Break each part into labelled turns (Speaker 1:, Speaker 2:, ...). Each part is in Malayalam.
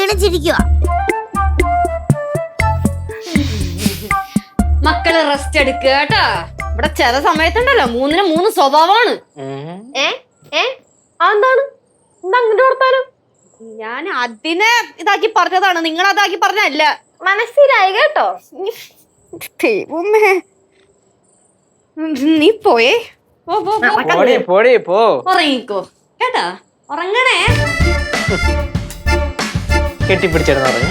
Speaker 1: ക്ഷീണിച്ചിരിക്കുക.
Speaker 2: മക്കള് റെസ്റ്റ് എടുക്കുക കേട്ടാ. ഇവിടെ ചില സമയത്തുണ്ടല്ലോ 3-ന് 3 സ്വഭാവമാണ്.
Speaker 3: അതെന്താണ് അങ്ങോട്ട് കൊടുത്താലും?
Speaker 2: ഞാൻ അതിനെ ഇതാക്കി പറഞ്ഞതാണ്, നിങ്ങൾ അതാക്കി പറഞ്ഞല്ല.
Speaker 3: മനസ്സിലായി കേട്ടോ.
Speaker 2: നീ പോയേ,
Speaker 4: പോ
Speaker 2: ഉറങ്ങിക്കോ കേട്ടാ. ഉറങ്ങണേ.
Speaker 4: കെട്ടിപ്പിടിച്ചിരുന്നു പറഞ്ഞു.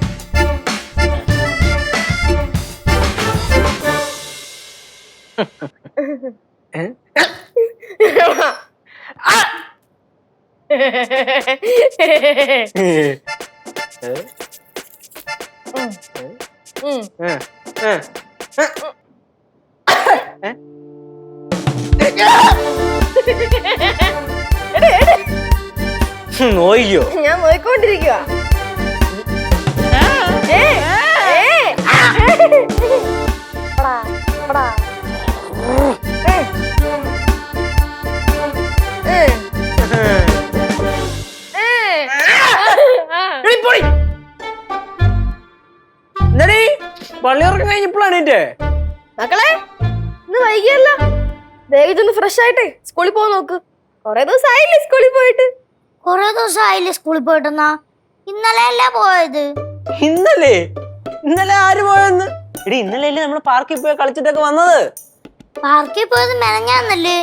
Speaker 4: നോയിക്കോ?
Speaker 3: ഞാൻ നോയിക്കൊണ്ടിരിക്കുക.
Speaker 4: പള്ളിയുറക്കം കഴിഞ്ഞപ്പോഴാണ് എന്റെ
Speaker 3: മക്കളെ ഇന്ന് വൈകിയല്ല. ദേവിതൊന്ന് ഫ്രഷ് ആയിട്ടെ സ്കൂളിൽ പോകാൻ നോക്ക്. കൊറേ ദിവസം ആയില്ലേ സ്കൂളിൽ പോയിട്ട്?
Speaker 1: കൊറേ ദിവസം ആയില്ലേ സ്കൂളിൽ പോയിട്ടെന്നാ? ഇന്നലെ അല്ലേ പോയത്?
Speaker 4: ഇന്നലെ ആര് പോയെന്ന്? എടി ഇന്നലെ അല്ലേ നമ്മള് പാർക്കിൽ പോയി കളിച്ചിട്ടൊക്കെ വന്നത്.
Speaker 1: പാർക്കിൽ പോയത് മെനഞ്ഞാന്നല്ലേ?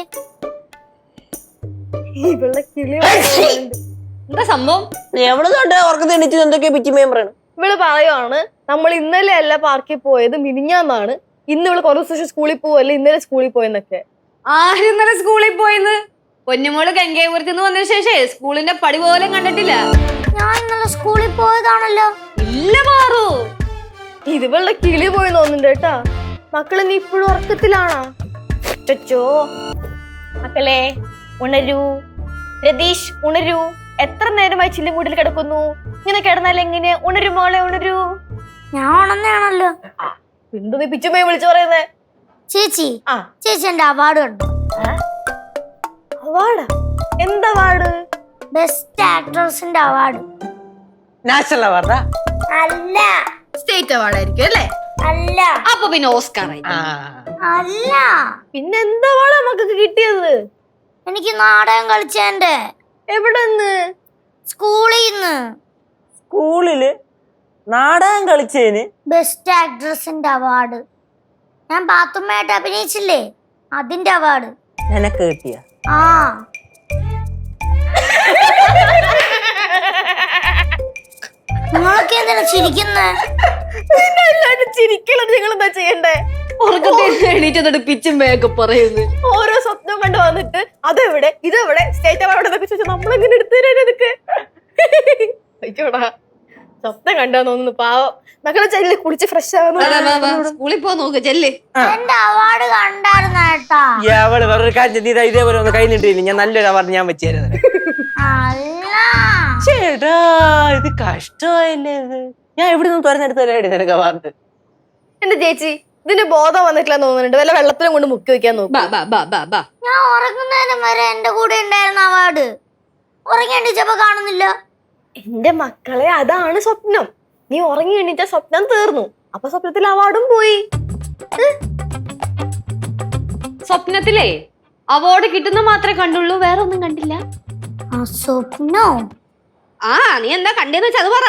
Speaker 2: എന്താ സംഭവം?
Speaker 4: എവിടെ തൊട്ട് ഉറക്കത്തെ എണീറ്റ് എന്തൊക്കെയാ പിച്ചിമയം പറയണം.
Speaker 3: ഇവള് പറയുവാണ് നമ്മൾ ഇന്നലെ അല്ല പാർക്കിൽ പോയത്, മിനിഞ്ഞാന്നാണ്. ഇന്ന് ഇവള് കുറേ ദിവസം സ്കൂളിൽ പോവല്ലേ, ഇന്നലെ സ്കൂളിൽ പോയെന്നൊക്കെ.
Speaker 2: ആരും ഇന്നലെ സ്കൂളിൽ പോയിന്ന്? പൊന്നുമോള് ഗംഗാപുരത്തുനിന്ന് വന്നതിന് ശേഷം സ്കൂളിന്റെ പടി പോലും കണ്ടിട്ടില്ല.
Speaker 1: ഞാൻ ഇന്നലെ സ്കൂളിൽ പോയതാണല്ലോ.
Speaker 2: ഇല്ല മാറൂ,
Speaker 3: ഇതുവളുടെ കിളി പോയി തോന്നുന്നുണ്ട് കേട്ടാ. മക്കളെ നീ ഇപ്പോഴും ഉറക്കത്തിലാണോ? ചോ മക്കളെ ഉണരൂ. രതീഷ് ഉണരൂ. എത്ര നേരമായി ചില്ലും കൂട്ടിൽ കിടക്കുന്നു? ഇങ്ങനെ കിടന്നാൽ എങ്ങനെ? ഉണരൂ മോളെ, ഉണരൂ.
Speaker 1: ഞാൻ ഉണർന്നാണല്ലോ.
Speaker 3: എന്തു നീ പിച്ചുമ്മയെ വിളിച്ചു പറയുന്നേ?
Speaker 1: ചേച്ചി ചേച്ചി എന്റെ അവാർഡ് കണ്ടോ?
Speaker 3: അവാർഡാ? എന്താ അവാർഡ്?
Speaker 1: ബെസ്റ്റ് ആക്ട്രസിന്റെ അവാർഡ്.
Speaker 4: നാഷണൽ അവാർഡാ?
Speaker 1: അല്ല.
Speaker 2: സ്റ്റേറ്റ് അവാർഡ് ആയിരിക്കും അല്ലേ?
Speaker 1: അല്ല.
Speaker 2: അപ്പൊ പിന്നെ ഓസ്കാർ ആയി.
Speaker 1: അല്ല.
Speaker 3: പിന്നെ എന്താ അവാർഡാ മക്കൾക്ക് കിട്ടിയത്?
Speaker 1: എനിക്ക് നാടകം കളിച്ചേന്റെ.
Speaker 3: എവിടെന്ന്?
Speaker 1: സ്കൂളിന്ന്.
Speaker 4: സ്കൂളില് നാടകം കളിച്ചേന്
Speaker 1: ബെസ്റ്റ് ആക്ട്രസിന്റെ അവാർഡ്. ഞാൻ പാത്തുമ്മയായിട്ട് അഭിനയിച്ചില്ലേ, അതിന്റെ അവാർഡ്.
Speaker 4: നിനക്ക് കിട്ടിയ?
Speaker 1: ആ. നിങ്ങളൊക്കെ എന്തിനാ ചിരിക്കുന്നേ?
Speaker 3: ചിരിക്കലത് നിങ്ങൾ എന്താ ചെയ്യണ്ടേ?
Speaker 2: എണീറ്റ് പിച്ചുമ്പയൊക്കെ പറയുന്നു.
Speaker 3: ഓരോ സ്വപ്നം കണ്ടു വന്നിട്ട് അതെവിടെ ഇതെവിടെ സ്റ്റേറ്റ് അവാർഡ് എന്നൊക്കെ ചോദിച്ചാൽ നമ്മളെങ്ങനെ എടുത്തു തരാൻ ഇതൊക്കെ? അയ്യോടാ, സ്വപ്നം കണ്ടാന്ന് തോന്നുന്നു. പാവം മക്കളെ ചെല്ലി കുളിച്ച് ഫ്രഷ് ആവുന്നു.
Speaker 2: സ്കൂളിൽ പോ നോക്ക് ചെല്ലേ.
Speaker 1: എന്റെ അവാർഡ് കണ്ടായിരുന്ന കേട്ടാ.
Speaker 4: അവള് വേറൊരു കാര്യം നീ ഇതേപോലെ ഒന്ന് കൈ നീട്ടിയില്ല, ഞാൻ നല്ലൊരു അവാർഡ് ഞാൻ വെച്ചു തരുന്നത്.
Speaker 1: അല്ല
Speaker 4: ചേട്ടാ ഇത് കഷ്ടമായില്ലേ ഇത്? ഞാൻ എവിടെ നിന്ന് തുറന്നെടുത്ത് തരാടി നിനക്ക് അവാർഡ്?
Speaker 3: എന്റെ ചേച്ചി ഇതിന് ബോധം വന്നിട്ടില്ലെന്ന് തോന്നുന്നുണ്ട്. വല്ല വെള്ളത്തിലും കൊണ്ട് മുക്കി വെക്കാൻ നോക്കും.
Speaker 1: ഞാൻ ഉറങ്ങുന്നതിനും വരെ എന്റെ കൂടെ ഉണ്ടായിരുന്ന അവാർഡ് ഉറങ്ങി എണീച്ചപ്പോ കാണുന്നില്ല.
Speaker 3: എന്റെ മക്കളെ അതാണ് സ്വപ്നം. നീ ഉറങ്ങി എണീറ്റ സ്വപ്നം തീർന്നു. അപ്പൊ സ്വപ്നത്തിൽ അവാർഡും പോയി.
Speaker 2: സ്വപ്നത്തിലേ അവാർഡ് കിട്ടുന്ന മാത്രമേ കണ്ടുള്ളൂ, വേറെ ഒന്നും കണ്ടില്ല.
Speaker 1: സ്വപ്നോ?
Speaker 2: നീ എന്താ കണ്ടെന്ന് വെച്ചാ അത് പറ.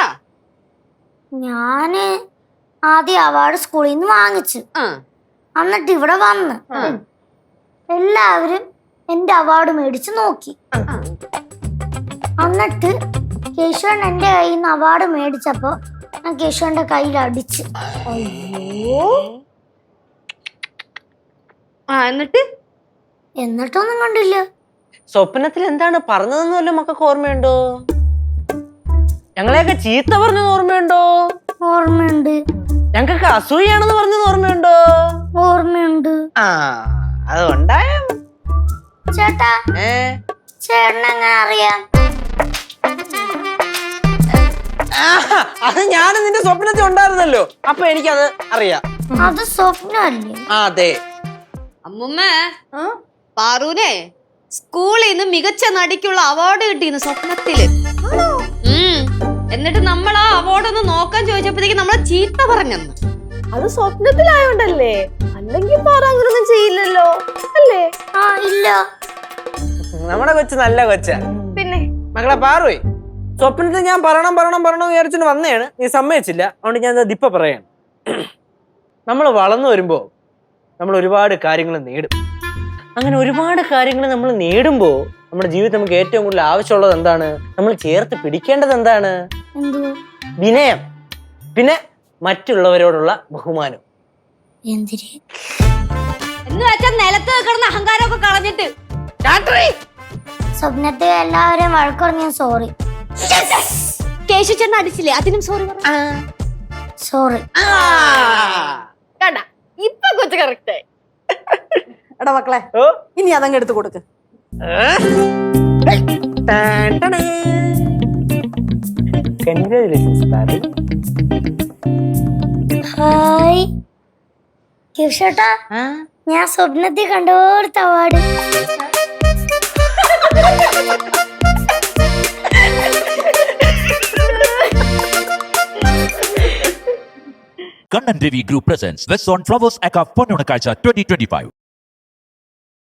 Speaker 1: ഞാന് ആദ്യം അവാർഡ് സ്കൂളിൽ നിന്ന് വാങ്ങിച്ചു. എന്നിട്ട് ഇവിടെ വന്ന് എല്ലാവരും എന്റെ അവാർഡ് മേടിച്ച് നോക്കി. എന്നിട്ട് കേശവൻ എന്റെ കയ്യിൽ നിന്ന് അവാർഡ് മേടിച്ചപ്പോ ഞാൻ കേശവന്റെ കയ്യിൽ അടിച്ച്. എന്നിട്ടൊന്നും കണ്ടില്ല.
Speaker 4: സ്വപ്നത്തിൽ എന്താണ് പറഞ്ഞതെന്ന് വല്ല മക്കൾക്ക് ഓർമ്മയുണ്ടോ? ഞങ്ങളെയൊക്കെ ചീത്ത പറഞ്ഞത് ഓർമ്മയുണ്ടോ?
Speaker 1: ഓർമ്മയുണ്ട്.
Speaker 4: ഞങ്ങൾക്ക് അസൂയാണെന്ന് പറഞ്ഞത് ഓർമ്മയുണ്ടോ?
Speaker 1: ഓർമ്മയുണ്ട്.
Speaker 4: അതുകൊണ്ടായ
Speaker 1: ചേട്ടാ ചേട്ടൻ എങ്ങനെ അറിയാം?
Speaker 4: അത് ഞാൻ നിന്റെ സ്വപ്നത്തിൽ ഉണ്ടായിരുന്നല്ലോ, അപ്പൊ എനിക്കത് അറിയാം.
Speaker 1: അത് സ്വപ്നല്ലേ?
Speaker 4: അതെ.
Speaker 2: അമ്മുമ്മ പാറൂനെ സ്കൂളിൽ നിന്ന് മികച്ച നടിക്കുള്ള അവാർഡ് കിട്ടിയിരുന്നു സ്വപ്നത്തില്. എന്നിട്ട് നമ്മൾ ആ അവാർഡ് ഒന്ന് നോക്കാൻ ചോദിച്ചപ്പോഴത്തേക്ക് നമ്മളെ ചീത്ത പറഞ്ഞെന്ന്.
Speaker 3: അത് സ്വപ്നത്തിലായോണ്ടല്ലേ, അല്ലെങ്കിൽ പാറ അങ്ങനൊന്നും ചെയ്യില്ലല്ലോ അല്ലേ?
Speaker 1: ആ ഇല്ല.
Speaker 4: നമ്മുടെ കൊച്ചു നല്ല കൊച്ചാ.
Speaker 3: പിന്നെ
Speaker 4: മക്കളെ പാറുപോയി സ്വപ്നത്തിൽ ഞാൻ പറയണം വിചാരിച്ചിട്ട് വന്നതാണ്, നീ സമ്മതിച്ചില്ല. അതുകൊണ്ട് ഞാൻ ദിപ്പ പറയാണ്. നമ്മൾ വളർന്നു വരുമ്പോ നമ്മൾ ഒരുപാട് കാര്യങ്ങൾ നേടും. അങ്ങനെ ഒരുപാട് കാര്യങ്ങൾ നമ്മൾ നേടുമ്പോ നമ്മുടെ ജീവിതത്തിൽ നമുക്ക് ഏറ്റവും കൂടുതൽ ആവശ്യമുള്ളത് എന്താണ്? നമ്മൾ ചേർത്ത് പിടിക്കേണ്ടത് എന്താണ്?
Speaker 1: എന്തു?
Speaker 4: വിനയം, പിന്നെ മറ്റുള്ളവരോടുള്ള ബഹുമാനം.
Speaker 1: എന്തിരി?
Speaker 2: എന്ന് വെച്ചാൽ നിലത്ത് കിടന്ന അഹങ്കാരമൊക്കെ കളഞ്ഞിട്ട്
Speaker 1: സ്വപ്നത്തിൽ എല്ലാവരെയും വഴക്കുറഞ്ഞ സോറി.
Speaker 2: കേശു ചേട്ടൻ അടിച്ചില്ലേ, അതിനും സോറി
Speaker 1: സോറി.
Speaker 3: കണ്ട ഇപ്പൊ കൊച്ചു കറക്റ്റ്.
Speaker 5: എടാ മക്കളെ,
Speaker 4: ഓ
Speaker 5: ഇനി അതങ്ങ് എടുത്തു കൊടുക്ക്.
Speaker 4: കൺഗ്രാജുലേഷൻസ് പാറി.
Speaker 1: ഹായ് കിഷോട്ടാ, ഞാൻ സ്വപ്നത്തിൽ കണ്ടോടുത്ത award.
Speaker 6: Kannan Devi Group presents West on Flowers Aka Ponnunakazha 2025.